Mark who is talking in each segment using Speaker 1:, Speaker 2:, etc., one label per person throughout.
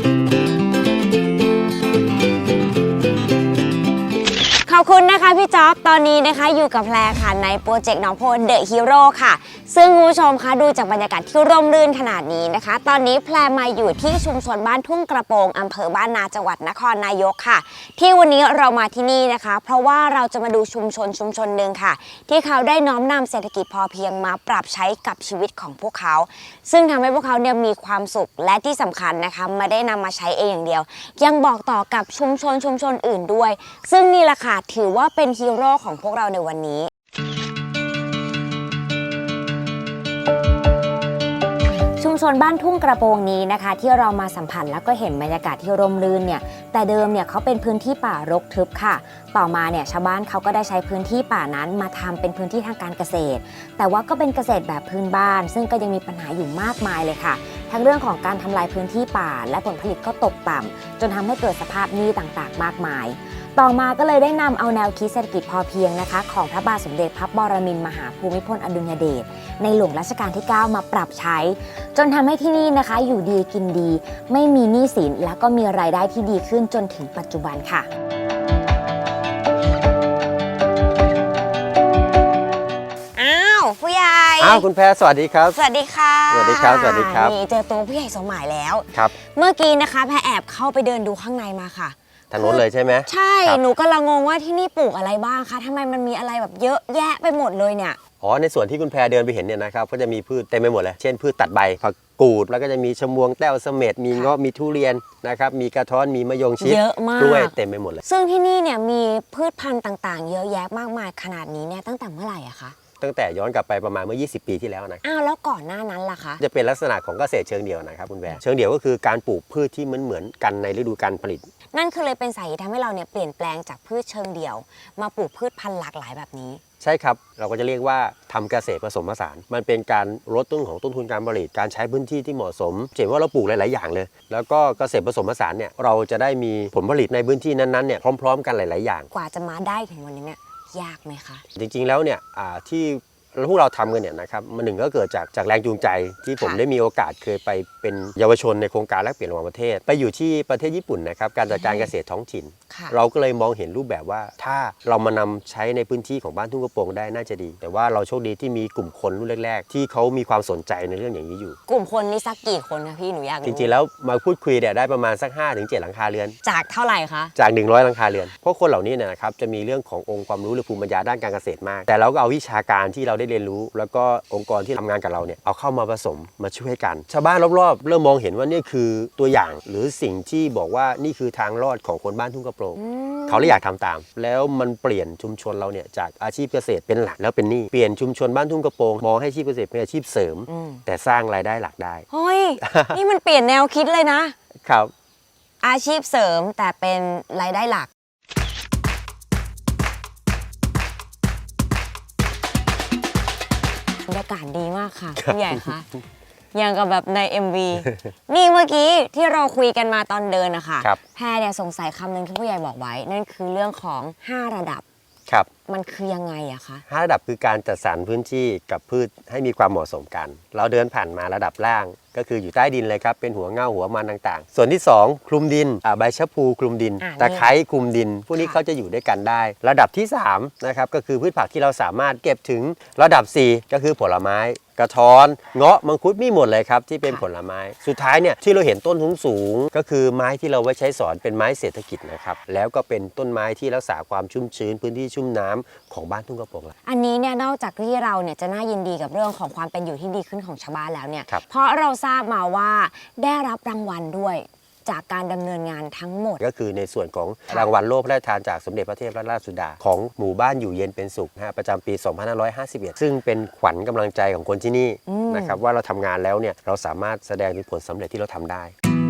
Speaker 1: ขอบคุณนะคะพี่จ๊อบตอนนี้นะคะอยู่กับแพรค่ะในโปรเจกต์น้องโพเดอะฮีโร่ค่ะซึ่งคุณผู้ชมคะดูจากบรรยากาศที่ร่มรื่นขนาดนี้นะคะตอนนี้แพรมาอยู่ที่ชุมชนบ้านทุ่งกระโปรงอำเภอบ้านนาจังหวัดนครนายกค่ะที่วันนี้เรามาที่นี่นะคะเพราะว่าเราจะมาดูชุมชนหนึ่งค่ะที่เขาได้น้อมนำเศรษฐกิจพอเพียงมาปรับใช้กับชีวิตของพวกเขาซึ่งทำให้พวกเขาเนี่ยมีความสุขและที่สำคัญนะคะไม่ได้นำมาใช้เองอย่างเดียวยังบอกต่อกับชุมชนอื่นด้วยซึ่งนี่แหละค่ะถือว่าเป็นฮีโร่ของพวกเราในวันนี้ชุมชนบ้านทุ่งกระโปรงนี้นะคะที่เรามาสัมผัสแล้วก็เห็นบรรยากาศที่ร่มรื่นเนี่ยแต่เดิมเนี่ยเขาเป็นพื้นที่ป่ารกทึบค่ะต่อมาเนี่ยชาวบ้านเขาก็ได้ใช้พื้นที่ป่านั้นมาทำเป็นพื้นที่ทางการเกษตรแต่ว่าก็เป็นเกษตรแบบพื้นบ้านซึ่งก็ยังมีปัญหาอยู่มากมายเลยค่ะทั้งเรื่องของการทำลายพื้นที่ป่าและผลผลิตก็ตกต่ำจนทำให้เกิดสภาพหนี้ต่างๆมากมายต่อมาก็เลยได้นำเอาแนวคิดเศรษฐกิจพอเพียงนะคะของพระบาทสมเด็จพระบรมินทรมหาภูมิพลอดุลยเดชในหลวงรัชกาลที่ 9 มาปรับใช้จนทำให้ที่นี่นะคะอยู่ดีกินดีไม่มีหนี้สินและก็มีรายได้ที่ดีขึ้นจนถึงปัจจุบันค่ะผู้ใหญ่
Speaker 2: คุณแพรสวัสดีครับ
Speaker 1: สวัสดีค่ะ
Speaker 2: สวัสดีครับสวัสดีครับ
Speaker 1: นี่เจอตัวผู้ใหญ่สมหมายแล้ว
Speaker 2: ครับ
Speaker 1: เมื่อกี้นะคะแพรแอบเข้าไปเดินดูข้างในมาค่ะ
Speaker 2: ทางโน้นเลยใช่ไหม
Speaker 1: ใช่หนูกำลังงงว่าที่นี่ปลูกอะไรบ้างคะทำไมมันมีอะไรแบบเยอะแยะไปหมดเลยเนี่ย
Speaker 2: ในส่วนที่คุณแพรเดินไปเห็นเนี่ยนะครับก็จะมีพืชเต็มไปหมดเลยเช่นพืชตัดใบผักกูดแล้วก็จะมีชะมวงแต้วเสม็ดมีเงาะมีทุเรียนนะครับมีกระท้อนมีมะยงชิด
Speaker 1: เยอะมาก
Speaker 2: กล้วยเต็มไปหมดเลย
Speaker 1: ซึ่งที่นี่เนี่ยมีพืชพันธุ์ต่างๆเยอะแยะมากมายขนาดนี้เนี่ยตั้งแต่เมื่อไหร่อะคะ
Speaker 2: ตั้งแต่ย้อนกลับไปประมาณเมื่อ20 ปีที่แล้วนะ
Speaker 1: แล้วก่อนหน้านั้นล่ะคะ
Speaker 2: จะเป็นลักษณะของเกษตรเชิงเดี่ยวนะครับคุณแพรเชิงเดี่ยวก็คือการปลูกพืชที่เหมือนกันในฤดูกาลผลิต
Speaker 1: นั่นคือเลยเป็นสาเหตุทำให้เราเนี่ยเปลี่ยนแปลงจากพืชเชิงเดี่ยวมาปลูกพืชพันธุ์หลากหลายแบบนี้
Speaker 2: ใช่ครับเราก็จะเรียกว่าทำเกษตรผสมผสานมันเป็นการลดต้นทุนการผลิตการใช้พื้นที่ที่เหมาะสมเห็นว่าเราปลูกหลายๆอย่างเลยแล้วก็เกษตรผสมผสานเนี่ยเราจะได้มีผลผลิตในพื้นที่นั้นๆเนี่ยพร้อมๆกันหลายๆอย่าง
Speaker 1: กว่าจะมาได้ถึงวันนี้เนี่ยยากไหมคะ
Speaker 2: จริงๆแล้วเนี่ยที่พวกเราทำกันเนี่ยนะครับมันหนึ่งก็เกิดจากแรงจูงใจที่ผมได้มีโอกาสเคยไปเป็นเยาวชนในโครงการแลกเปลี่ยนระหว่างประเทศไปอยู่ที่ประเทศญี่ปุ่นนะครับการจัดการเกษตรท้องถิ่นเราก็เลยมองเห็นรูปแบบว่าถ้าเรามานำใช้ในพื้นที่ของบ้านทุ่งกระโปรงได้น่าจะดีแต่ว่าเราโชคดีที่มีกลุ่มคนรุ่นแรกๆที่เขามีความสนใจในเรื่องอย่างนี้อยู่
Speaker 1: กลุ่มคนนี่สักกี่คนคะพี่หนูอยากรู้
Speaker 2: จริงๆแล้วมาพูดคุยเนี่ยได้ประมาณสัก 5-7 หลังคาเรือน
Speaker 1: จากเท่าไหร่คะ
Speaker 2: จาก100 หลังคาเรือนเพราะคนเหล่านี้เนี่ยนะครับจะมีเรื่องขององค์ความรู้หรือภูมิปัญญาด้านการเกษตรมากแต่เราก็เอาวิชาการที่เราได้เรียนรู้แล้วก็องค์กรที่ทำงานกับเราเนี่ยเอาเข้ามาผสมมาช่วยกันชาวบ้านรอบๆเริ่มมองเห็นว่านี่คือตัวอย่างหรือสิ่งที่บอกว่านี่คือทางรอดของคนบ้านทุ่งกระโปรงเขาเลยอยากทำตามแล้วมันเปลี่ยนชุมชนเราเนี่ยจากอาชีพเกษตรเป็นหลักแล้วเป็นหนี้เปลี่ยนชุมชนบ้านทุ่งกระโปรงมองให้อาชีพเกษตรเป็นอาชีพเสริมแต่สร้างรายได้หลักได้
Speaker 1: เฮ้ย นี่มันเปลี่ยนแนวคิดเลยนะครับอาชีพเสริมแต่เป็นรายได้หลักบรรยากาศดีมากค่ะผู้ใหญ่คะอย่างกับแบบใน MV นี่เมื่อกี้ที่เราคุยกันมาตอนเดินนะคะแพรเนี่ยสงสัยคำหนึ่งที่ผู้ใหญ่บอกไว้นั่นคือเรื่องของ5ระดับ
Speaker 2: ครับ
Speaker 1: มันคือยังไงอะคะ
Speaker 2: 5ระดับคือการจัดสรรพื้นที่กับพืชให้มีความเหมาะสมกันเราเดินผ่านมาระดับล่างก็คืออยู่ใต้ดินเลยครับเป็นหัวเง่าหัวมันต่างๆส่วนที่2คลุมดินใบชะพูคลุมดินตะไคร้คลุมดินพวกนี้เขาจะอยู่ด้วยกันได้ระดับที่3นะครับก็คือพืชผักที่เราสามารถเก็บถึงระดับ4ก็คือผลไม้กระท้อนเงาะมังคุดมีหมดเลยครับที่เป็นผลไม้สุดท้ายเนี่ยที่เราเห็นต้นสูงก็คือไม้ที่เราไว้ใช้สอนเป็นไม้เศรษฐกิจนะครับแล้วก็เป็นต้นไม้ที่รักษาความชุ่มชื้นพื้นที่ชุ่มน้ำของบ้านทุ่งกระโปรง
Speaker 1: อันนี้เนี่ยนอกจากที่เราเนี่ยจะน่ายินดีกับเรื่องของความเป็นอยู่ที่ดีขึ้นของชาวบ้านแล้วเนี่ยเพราะเราทราบมาว่าได้รับรางวัลด้วยจากการดำเนินงานทั้งหมด
Speaker 2: ก็คือในส่วนของรางวัลโล่พระราชทานจากสมเด็จพระเทพรัตนราชสุดาของหมู่บ้านอยู่เย็นเป็นสุขประจำปี 2551 ซึ่งเป็นขวัญกำลังใจของคนที่นี่นะครับว่าเราทำงานแล้วเนี่ยเราสามารถแสดงถึงผลสำเร็จที่เราทำได้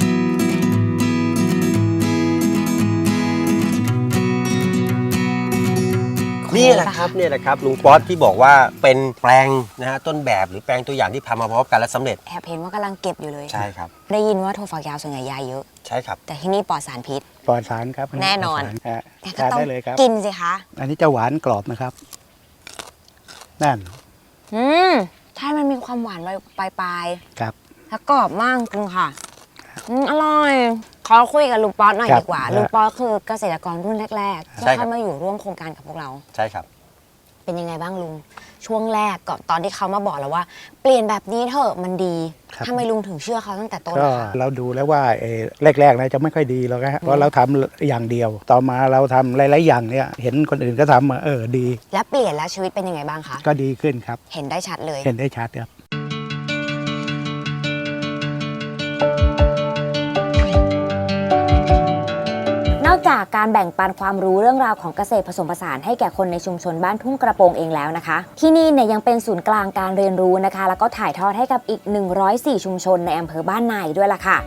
Speaker 2: นี่แหละครับลุงป๊อตที่บอกว่าเป็นแปลงนะฮะต้นแบบหรือแปลงตัวอย่างที่ทำมาพร้อมกันและสำเร็จ
Speaker 1: แอบเห็นว่ากำลังเก็บอยู่เลย
Speaker 2: ใช่ครับ
Speaker 1: ได้ยินว่าถั่วฝักยาวส่วนใหญ่ยาเยอะ
Speaker 2: ใช่ครับ
Speaker 1: แต่ที่นี่ปลอดสารพิษ
Speaker 3: ปลอดสารครับ
Speaker 1: แน่นอน
Speaker 3: แต่ก็ต้อง
Speaker 1: กินสิคะ
Speaker 3: อันนี้จะหวานกรอบนะครับนั่น
Speaker 1: ใช่มันมีความหวานปลาย
Speaker 3: ครับ
Speaker 1: แล้วกรอบมากจริงค่ะอร่อยขอคุยกับลุงป๊อตหน่อย
Speaker 3: ครับ
Speaker 1: ดีกว่าลุงป๊อตคือเกษตรกรรุ่นแรกๆที่
Speaker 2: ใช่ครับ
Speaker 1: เข้ามาอยู่ร่วมโครงการกับพวกเรา
Speaker 2: ใช่ครับ
Speaker 1: เป็นยังไงบ้างลุงช่วงแรกก่อนตอนที่เขามาบอกเราว่า เปลี่ยนแบบนี้เถอะมันดี
Speaker 3: ครับ
Speaker 1: ทำไมลุงถึงเชื่อเขาตั้งแต่ต้น
Speaker 3: ก็
Speaker 1: นะคะ
Speaker 3: เราดูแล้วว่าแรกๆนะจะไม่ค่อยดีหรอกฮะเพราะเราทำอย่างเดียว ต่อมาเราทำหลายๆอย่างเนี่ยเห็นคนอื่นก็ทำดี
Speaker 1: และเปลี่ยนแล้วชีวิตเป็นยังไงบ้างคะ
Speaker 3: ก็ดีขึ้นครับ
Speaker 1: เห็นได้ชัดเลย
Speaker 3: เห็นได้ชัดครับ
Speaker 1: นอกจากการแบ่งปันความรู้เรื่องราวของเกษตรผสมผสานให้แก่คนในชุมชนบ้านทุ่งกระโปรงเองแล้วนะคะ ที่นี่เนี่ยยังเป็นศูนย์กลางการเรียนรู้นะคะ แล้วก็ถ่ายทอดให้กับอีก 104 ชุมชนในอำเภอบ้านนาอีกด้วยล่ะค่ะ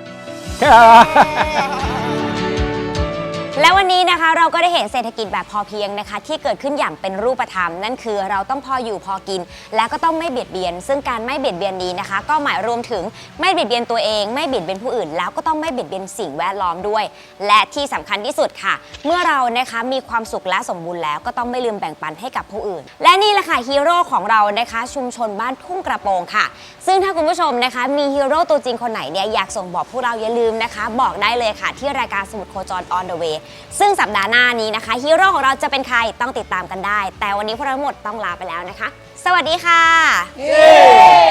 Speaker 1: และวันนี้นะคะเราก็ได้เห็นเศรษฐกิจแบบพอเพียงนะคะที่เกิดขึ้นอย่างเป็นรูปธรรมนั่นคือเราต้องพออยู่พอกิน และก็ต้องไม่เบียดเบียน ซึ่งการไม่เบียดเบียนนี้นะคะ ก็หมายรวมถึงไม่เบียดเบียนตัวเองไม่เบียดเบียนผู้อื่น แล้วก็ต้องไม่เบียดเบียนสิ่งแวดล้อมด้วย และที่สำคัญที่สุดค่ะ เมื่อเรานะคะมีความสุขและสมบูรณ์แล้วก็ต้องไม่ลืมแบ่งปันให้กับผู้อื่น และนี่แหละค่ะฮีโร่ของเรานะคะชุมชนบ้านทุ่งกระโปรงค่ะ ซึ่งถ้าคุณผู้ชมนะคะมีฮีโร่ตัวจริงคนไหนเนี่ยอยากส่งบอกพวกเราอย่าลืมนะคะ บอกได้เลยค่ะที่รายการสมุดโคจร on the way ซึ่งสัปดาห์หน้านี้นะคะฮีโร่ของเราจะเป็นใครต้องติดตามกันได้ แต่วันนี้พวกเราทั้งหมดต้องลาไปแล้วนะคะ สวัสดีค่ะ